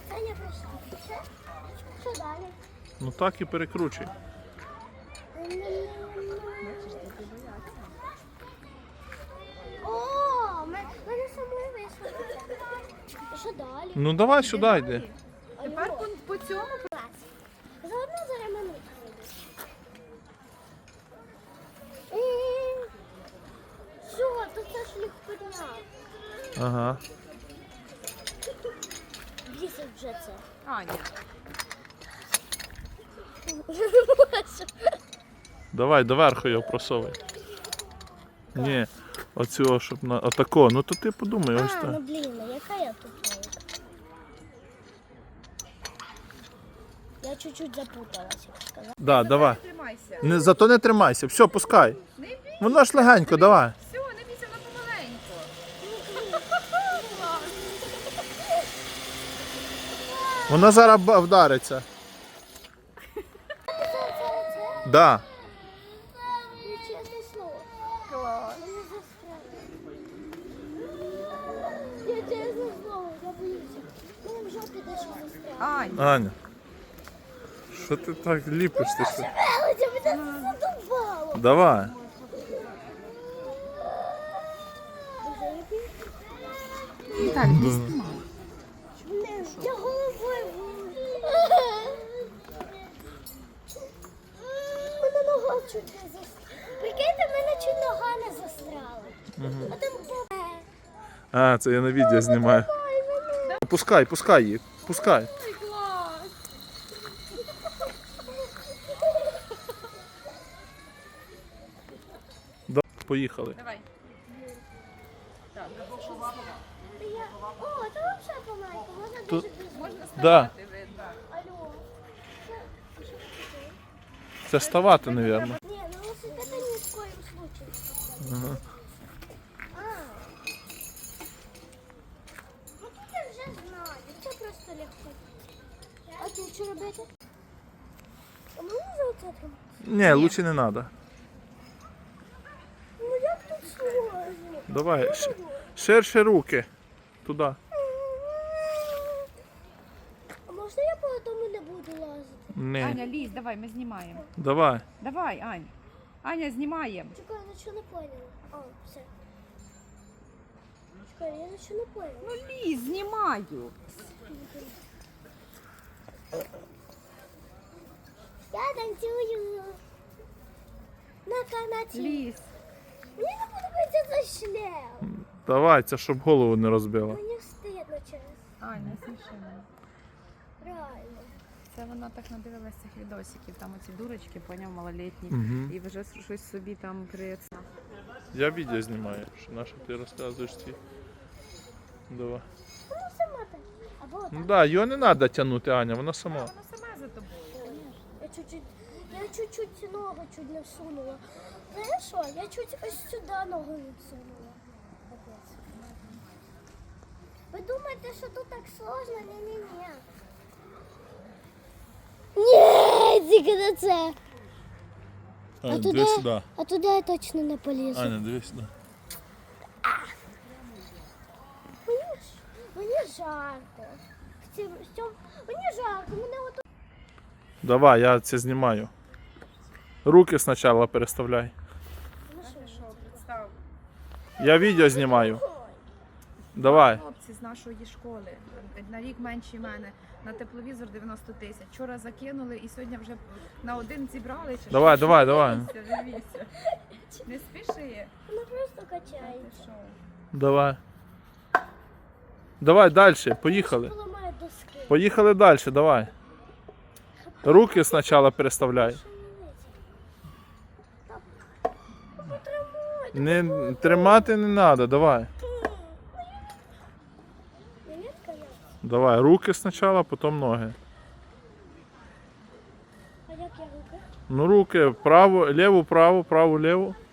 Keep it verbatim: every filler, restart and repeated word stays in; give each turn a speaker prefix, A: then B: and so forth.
A: Це я прийшла. Ще? Що далі?
B: Ну так і перекручуй.
A: О, мене самої вийшло. Що далі?
B: Ну давай сюди йди.
C: Тепер по, по цьому
A: Заодно зараз минутку. Що, то це ж легкодня.
B: Ага.
A: Бісить вже це.
C: Аня.
B: Давай доверху його просовуй. Ні, оцього, щоб на отако. Ну то ти подумай, ось
A: А,
B: так.
A: ну блін, а яка я тут? Я чуть-чуть запуталась, як сказати.
B: Да, давай.
C: Тримайся.
B: Не, зато не тримайся. Все, пускай.
C: Не бійся.
B: Воно ж легенько, давай.
C: Все, не бійся, вона помаленько.
B: Воно зараз ба- вдариться. Да.
A: Ну, чесне слово.
C: Клас.
A: Мене застрелили. Я чесне слово, я боюся. Мене в жопі дещо застрелило.
C: Ань.
B: Аня. Що ти так ліпиш? Ти що?
A: Велиця, мене це задовбало.
B: Давай.
C: Так,
A: Не, я головою. Мене нога чуть не застряла. Прикиньте, мене чуть нога не застряла. А там по...
B: А, це я на відео знімаю.
A: Ой, мене.
B: Пускай, пускай її. Пускай.
C: клас.
B: Да. Поїхали.
C: Давай. Так,
A: Я... О, це взагалі помайка. Можна
B: Тут-
A: дуже дуже.
C: можна
B: Да.
C: ставати видно.
A: Алло. Це- що таке?
B: Це ставати, мабуть.
A: Не, ну велосипеда ни в коем случае.
B: Ага.
A: А. Ну тут я вже знаю. Це просто легко. А тут що робити? А можна за оце тримати?
B: Ні, лучше не треба.
A: Ну як тут сложно?
B: Давай. ш- Ширше руки. Туди.
A: А можна я по тому не буду лазити?
B: Ні.
C: Аня, лізь, давай, ми знімаємо.
B: Давай.
C: Давай, Ань. Аня, знімаємо.
A: Чекай, я нічого не поняла. А, все. Чекай, я нічого не поняла.
C: Ну лізь, знімаю.
A: Я танцюю. На канаті.
C: Лізь.
A: Мені не подобається за шлем.
B: Давай, це щоб голову не розбила.
A: Мені стидно через.
C: Ань, не сміши мене.
A: Реально.
C: Це вона так надивилась цих відосиків, там оці дурочки, поняв, малолітні.
B: Угу.
C: І вже щось собі там при...
B: Я відео знімаю, що на що ти розказуєш ці. Давай.
A: Ну сама так. Або так.
B: Ну да, його не треба тягнути, Аня, вона сама.
C: Вона сама за тобою.
A: Я чуть-чуть, я чуть-чуть ногу чуть не всунула. Знаєш що? Я чуть ось сюди ногу відсунула. Капець. Ви думаєте, що тут так сложно? Ні-ні-ні. Ні, тільки не це.
B: Аня,
A: туди?
B: дивись сюди.
A: А туди я точно не полізу.
B: Аня, дивись сюди.
A: Мені, ж- мені жарко. В цьому- в цьому- Мені жарко, мене от
B: Давай, я це знімаю. Руки спочатку переставляй.
C: Що, представ.
B: Я відео знімаю. Давай.
C: Хлопці з нашої школи, на рік менші мене, на тепловізор дев'яносто тисяч. Вчора закинули і сьогодні вже на один зібрали. Чи
B: Давай,
C: що?
B: давай, давай.
C: Дивіться, дивіться. Не спіши.
A: вона просто
C: Ти
A: качається.
C: що?
B: Давай. Давай далі, поїхали.
A: Поламає доски.
B: Поїхали далі, давай. Руки спочатку переставляй. Не тримати не треба, давай.
A: Монетка я.
B: Давай, руки спочатку, потім ноги.
A: А як я руки?
B: Ну руки, право, ліву, право, праву, ліву.